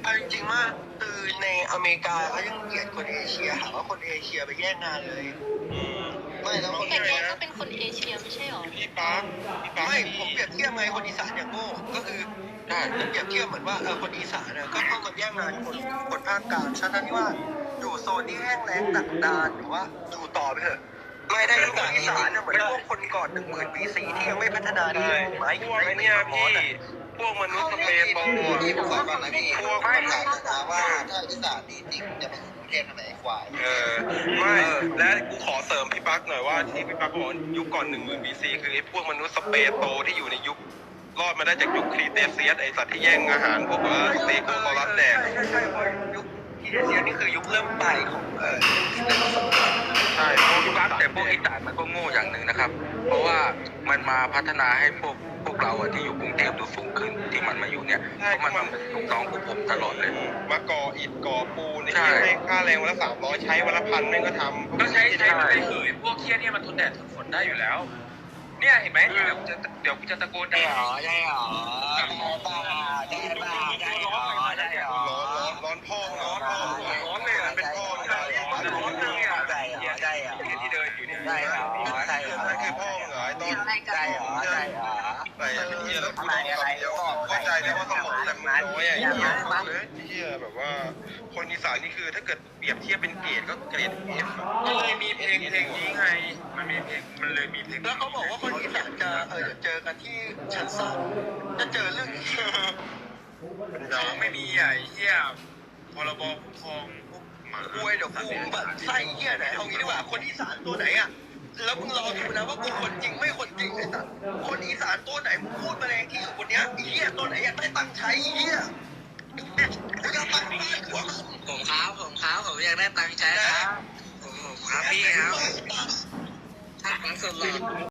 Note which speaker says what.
Speaker 1: เอาจริงๆว่าคือในอเมริกาเขายังเกลียดคนเอเชียหาว่าคนเอเชียไปแย่งงานเลยไม่แล้วคน
Speaker 2: แต่แกก็เป็นคนเอเชียไม่ใช่หรอ
Speaker 3: พี่ปั๊ก
Speaker 1: ไม่ผมเปรียบเทียบไงคนอีสานอย่างโง่ก็คือผมเปรียบเทียบเหมือนว่าคนอีสานเนี่ยก็เข้ามาแย่งงานคนภาคกลางทั้งที่ว่าอยู่โซนที่แห้งแล้งดักดานหรือว่าอยู่ต่อไปเถอะไม่ได้คนอีสานเนี่ยเหมือนพวกคนก่อน10,000 ปีที่ยังไม่พัฒนาดีไม้
Speaker 3: พวกเนี่ยพี่พวกมนุษย์สเปรย์โต
Speaker 4: พี่ผมบอกก่อนนะพี่พวกมันถามนะว่าถ้าอีสานดีจริงจะไปถึงประเทศไหนควาย
Speaker 3: ไม่และกูขอเสริมพี่ปั๊กหน่อยว่าที่พี่ปั๊กบอกยุคก่อน10,000 BC คือไอ้พวกมนุษย์สเปรย์โตที่อยู่ในยุครอดมาได้จากยุคครีเตเซียสไอสัตว์ที่แย่งอาหารพวกว่าสเต็กโคลัสแดก
Speaker 1: ใช่ยุคครีเตเซียสนี่คือยุคเริ่มปลายของ
Speaker 3: ใช่พวก
Speaker 5: ปั๊กแต่พวกอีสานมันก็โง่อย่างหนึ่งนะครับเพราะว่ามันมาพัฒนาให้พวกเราที่อยู่กรุงเทพดูสูงขึ้นที่มันมาอยู่เนี่ยเพราะมันเป็นลูกน้องของผมตลอดเลย
Speaker 3: มาก่ออิฐก่อปูนนี่ให้ค่าแรงวันละ300ใช้วันละ1,000แม่งก็ทำ
Speaker 5: ก็ใช้
Speaker 3: ไป
Speaker 5: เผยพวกเคี้ยนี่มันทนแดดทนฝนได้อยู่แล้วเนี่ยเห็นไหมเดี๋ยวกูจะตะโกนได้หรอ
Speaker 4: ได้หรอ
Speaker 3: ร้อนพ่อร้อนเลยเป็นพ่อร้อนเลยอ่ะ
Speaker 4: ได้หรอ
Speaker 3: ที่เดินอยู่เนี่ย
Speaker 4: ได้หรอได้หรอ
Speaker 3: นั่นคือพ่อเหรอต้อง
Speaker 4: ได้หรอได้หรอ
Speaker 3: ไปเที่ยวแล้วกูต้องคำเดียวเข้าใจเลยว่าสมองแต่มึงน้อยอ่ะเที่ยวแบบว่าคนอีสานนี่คือถ้าเกิดเปรียบเทียบเป็นเกรดก็เกรด F
Speaker 5: ก็เลยมีเพลงนี้ไงมันมีเพลงมันเลยมีเพลง
Speaker 1: แล้วเขาบอกว่าคนอีสานจะเจอกันที่ชั้น3จะเจอเรื่อง
Speaker 5: เราไม่มีไอ้เหี้ยพรบคุ้มครองพวกหมา
Speaker 1: คุยเดี๋ยวกูแบบไส้เหี้ยไหนเอางี้ดีกว่าคนอีสานตัวไหนอ่ะแล้วมึงรอดูนะว่ากูคนจริงไม่คนจริงไอ้สัสคนอีสานตัวไหนมึงพูดมาแรงที่อยู่คนเนี้ยเหี้ยตัวไหนอยากได้ตังค์ใช้เหี้ยกูจะตังค์ได้หัว
Speaker 4: ผมอยากได้ตังค์ใช้ครับผมครับพี่ครับท่านฟังสุดหล่อ